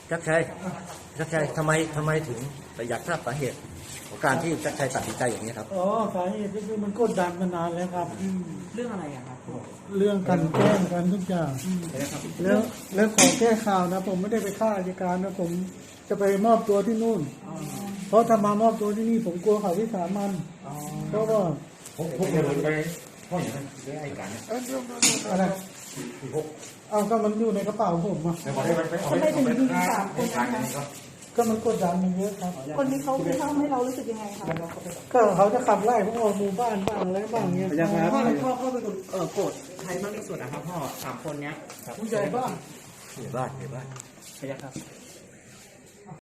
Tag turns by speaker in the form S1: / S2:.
S1: ชักชัยทำไมถึงแต่อยากทราบสาเหตุของการที่ชักชัยตัดสินใจอย่างนี้ครับ
S2: อ๋อสาเหตุก็คือมันกดดันมานานแล้วครับ
S3: เรื่องอะไรอะครับ
S2: เรื่องการแกล้งกันทุกอย่างแล้วขอแก้ข่าวนะผมไม่ได้ไปฆ่าราชการนะผมจะไปมอบตัวที่นู่นเพราะถ้ามามอบตัวที่นี่ผมกลัวเขาวิสามันเพราะว่า
S4: พวกเดินไปห้องอย่างนั้นได้ให้การ
S2: อะไรเอาก็มันอยู่ในกระเป๋าผมอ่ะ
S5: ทำไมถึงยิง3 คนนะคะ
S2: ก็มันกดดันมันเยอะครับ
S5: คนนี้เขาทำให้เรารู้สึกยังไงคะ
S2: ก็เขาจะขับไล่พวกเราหมู่บ้านบ้างอะไรบ้างเงี้ย
S3: พ่อเป็นคนโกรธใครมากที่สุดนะครับพ่อ3 คนเนี้ย
S2: ผู้ใหญ่บ้าน
S1: ผู้ใหญ่บ้าน
S3: พยาครับ